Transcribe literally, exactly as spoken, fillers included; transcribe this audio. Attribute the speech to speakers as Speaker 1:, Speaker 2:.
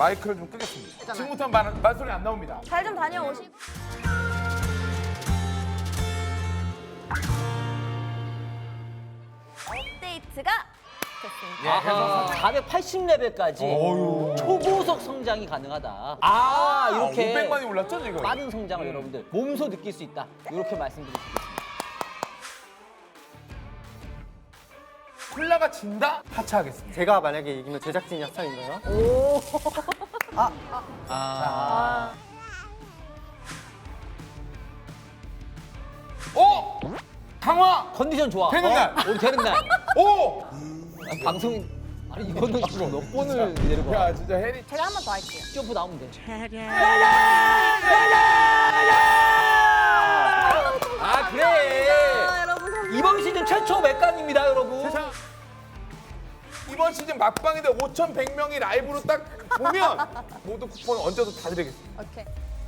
Speaker 1: 마이크를 좀 끄겠습니다. 지금부터 말, 말소리 안 나옵니다.
Speaker 2: 잘 좀 다녀오시고. 업데이트가 됐습니다.
Speaker 1: 예, 해서
Speaker 3: 사백팔십 레벨까지
Speaker 1: 어휴.
Speaker 3: 초고속 성장이 가능하다. 아, 이렇게
Speaker 1: 오백만이 올랐죠 지금?
Speaker 3: 빠른 성장을
Speaker 1: 음.
Speaker 3: 여러분들 몸소 느낄 수 있다. 이렇게 말씀드릴 수 있습니다.
Speaker 1: 콜라가 진다? 하차하겠습니다.
Speaker 4: 제가 만약에 이기면 제작진이 합창인가요?
Speaker 3: 아,
Speaker 1: 오! 강화!
Speaker 3: 컨디션 좋아.
Speaker 1: 되는
Speaker 3: 어?
Speaker 1: 날.
Speaker 3: 오늘 되는 날.
Speaker 1: 오!
Speaker 3: 아, 방송 아니 이거는 지금 몇 번을 내리고 와.
Speaker 1: 야 진짜 해리
Speaker 2: 제가 한 번 더 할게요.
Speaker 3: 점프 나오면 돼. 아 그래.
Speaker 2: 아, 여러분 감사합니다.
Speaker 3: 이번 시즌 최초 맥감입니다, 여러분.
Speaker 1: 자, 이번 시즌 막방인데 오천백 명이 라이브로 딱 보면 모두 쿠폰 얹어서 다 드리겠습니다.
Speaker 2: 오케이.